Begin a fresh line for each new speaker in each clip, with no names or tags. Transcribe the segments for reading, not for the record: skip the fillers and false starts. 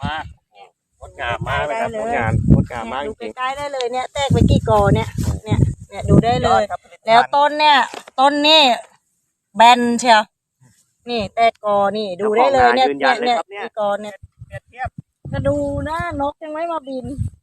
มากงดงามมากเลยครับงดงามมากจริง
ใกล้ๆได้เลยเนี่ยแตกไปกี่กอเนี่ยดูได้เลยแล้วต้นนี่แบนเชียวนี่แตกกอนี่ดูได้เลยเนี่ยกี่กอเนี่ยจะดูนะนกยังไม่มาบิน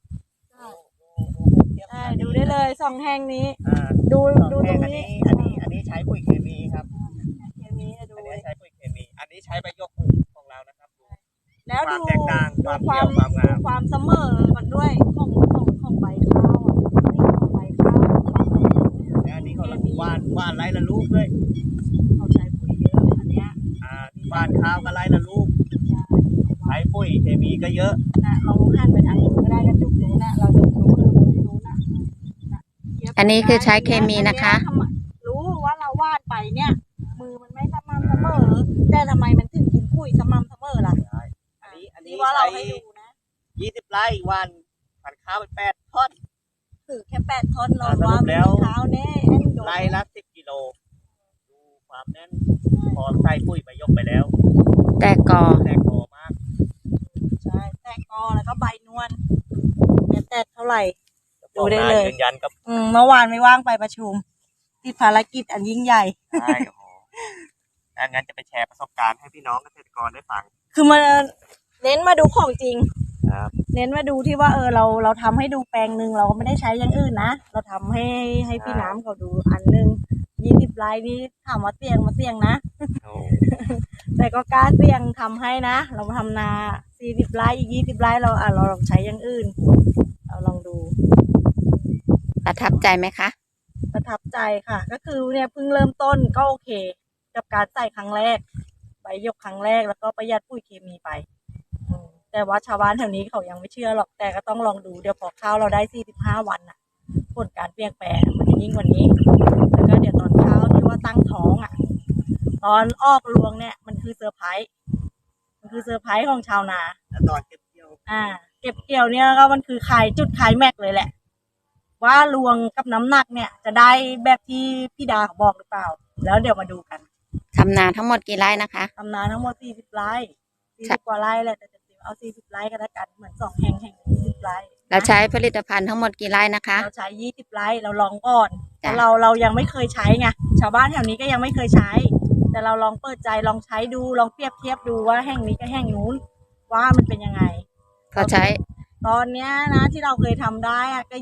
ดูได้เลยสองแห่งนี้ดูตรงนี้
อันนี้ใช้ปุ๋ยเคมีครับ
เคมีดู
อันนี้ใช้ปุ๋ยเคมีอันนี้ใช้ใบยกของเรานะครับ
แล้วดู
แตกต่าง
ความเสมอมันด้วยของใบข้าวนี่ของใบข้าว
แล้วอันนี้เขาว่านไร่ละลูกด้วย
เขาใช้ปุ๋ยเยอะอันเนี้ย
ว่านข้าวก็ไร่ละลูกใช้ปุ๋ยเคมีก็เยอะ
เราหันไปทางนู้นก็ได้กระจุกนู้นเราจะรู้มือบนที่นู้น
อันนี้คือใช้เคมีนะคะ
รู้ว่าเราวาดไปเนี่ยมือมันไม่สม่ำเสมอแต่ทำไมมันถึงกินปุ๋ยสม่ำเสมอล่ะ
อันนี้
ว่าเราให้ดูนะ
20 ไร่วันพันข้าวไป8 ท่อน
คือแค่8 ท่อนเราว่าไม่มีข้าวแน่
ไร่ละ10 กิโลดูความแน่นพอใส่ปุ๋ยไปยกไปแล้ว
แตกกอ
มาก
ใช่แตกกอแล้วก็ใบนวลแตกเท่าไหร่ดูได้เลย
ยืนยันกับ
เมื่อวานไม่ว่างไปประชุมติดภารกิจอันยิ่งใหญ่
ใช่โอ้โหงั้นจะไปแชร์ประสบการณ์ให้พี่น้องเกษตรกรได้ฟัง
คือมาเน้นมาดูของจริงเน้นมาดูที่ว่าเราทำให้ดูแปลงหนึ่งเราก็ไม่ได้ใช้อย่างอื่นนะเราทำให้พี่น้ำเขาดูอันหนึ่ง20 ไร่นี่ถามว่าเสี่ยงนะแต่ก็กล้าเสี่ยงทำให้นะเราทำนา40 ไร่อีก20 ไร่เราลองใช้อย่างอื่นเราลองดู
ประทับใจไหมคะ
ประทับใจค่ะก็คือเนี่ยเพิ่งเริ่มต้นก็โอเคกับการใส่ครั้งแรกใบยกครั้งแรกแล้วก็ประหยัดปุ๋ยเคมีไปแต่ว่าชาวบ้านแถวนี้เขายังไม่เชื่อหรอกแต่ก็ต้องลองดูเดี๋ยวพอข้าวเราได้45 วันน่ะผลการเปลี่ยนแปลงมันจะยิ่งกว่านี้แล้วก็เดี๋ยวตอนข้าวที่ว่าตั้งท้องตอนออกรวงเนี่ยมันคือเซอร์ไพรส์ของชาวนา
แล้วตอนเก็บเกี่ยว
เก็บเกี่ยวเนี่ยก็มันคือจุดขายแม็กเลยแหละว่ารวงกับน้ำหนักเนี่ยจะได้แบบที่พี่ดาเขาบอกหรือเปล่าแล้วเดี๋ยวมาดูกัน
ทำนาทั้งหมดกี่ไร่นะคะ
ทำนาทั้งหมด40 ไร่40 กว่าไร่แหละแต่เอา40 ไร่ก็แล้วกันเหมือน2 แห่ง20 ไร่
เราใช้ผลิตภัณฑ์ทั้งหมดกี่ไร่นะคะ
เราใช้20 ไร่เราลองก่อนแต่เรายังไม่เคยใช้ไงชาวบ้านแถวนี้ก็ยังไม่เคยใช้แต่เราลองเปิดใจลองใช้ดูลองเปรียบเทียบดูว่าแห่งนี้กับแห่งนู้นว่ามันเป็นยังไง
เขาใช้
ตอนเนี้ยนะที่เราเคยทำได้ก็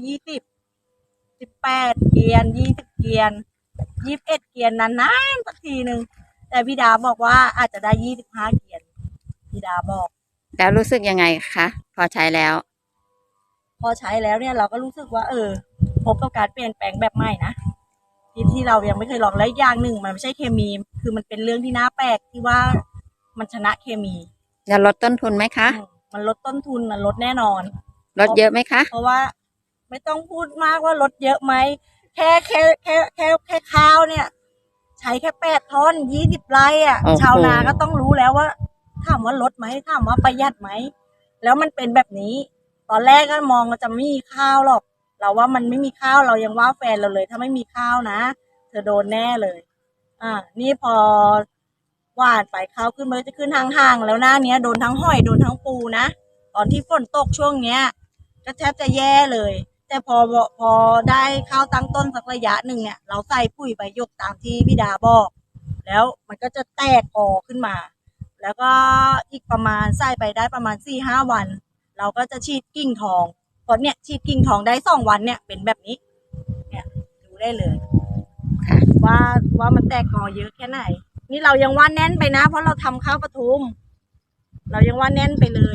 18 เกียน20 เกียน21 เกียนนานๆสักทีนึงแต่พี่ดาบอกว่าอาจจะได้25 เกียนพี่ดาบอก
แล้วรู้สึกยังไงคะพอใช้แล้ว
เนี่ยเราก็รู้สึกว่าพบกับการเปลี่ยนแปลงแบบใหม่นะที่เรายังไม่เคยลองและอย่างหนึ่งมันไม่ใช่เคมีคือมันเป็นเรื่องที่น่าแปลกที่ว่ามันชนะเคมี
จะลดต้นทุนไหมคะ
มันลดต้นทุนมันลดแน่นอน
ลดเยอะไหมคะ
เพราะว่าไม่ต้องพูดมากว่าลดเยอะไหมแค่ข้าวเนี่ยใช้แค่8 ท่อน20 ไร่ชาวนาก็ต้องรู้แล้วว่าถามว่าลดไหมถามว่าประหยัดไหมแล้วมันเป็นแบบนี้ตอนแรกก็มองว่าจะไม่มีข้าวหรอกเราว่ามันไม่มีข้าวเรายังว่าแฟนเราเลยถ้าไม่มีข้าวนะเธอโดนแน่เลยนี่พอหว่านไปข้าวขึ้นมันจะขึ้นห่างๆแล้วหน้านี้โดนทั้งห้อยโดนทั้งปูนะตอนที่ฝนตกช่วงเนี้ยก็แทบจะแย่เลยแต่พอได้ข้าวตั้งต้นสักระยะหนึ่งเนี่ยเราใส่ปุ๋ยใบยกตามที่พี่ดาบอกแล้วมันก็จะแตกกอขึ้นมาแล้วก็อีกประมาณใส่ไปได้ประมาณ 4-5 วันเราก็จะฉีดกิ่งทองพอเนี่ยฉีดกิ่งทองได้2 วันเนี่ยเป็นแบบนี้เนี่ยดูได้เลยว่ามันแตกกอเยอะแค่ไหนนี่เรายังว่าแน่นไปนะเพราะเราทำข้าวปทุมเรายังว่าแน่นไปเลย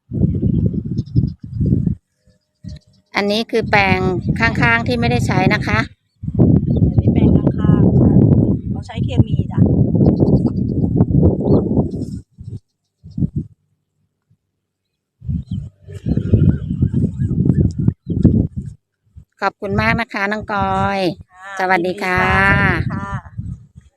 อันนี้คือแปลงข้างๆที่ไม่ได้ใช้นะคะ
อันนี้แปลงข้างๆเราใช้เคมีจ้ะ
ขอบคุณมากนะคะน้องกอยสวัสดีค่ะ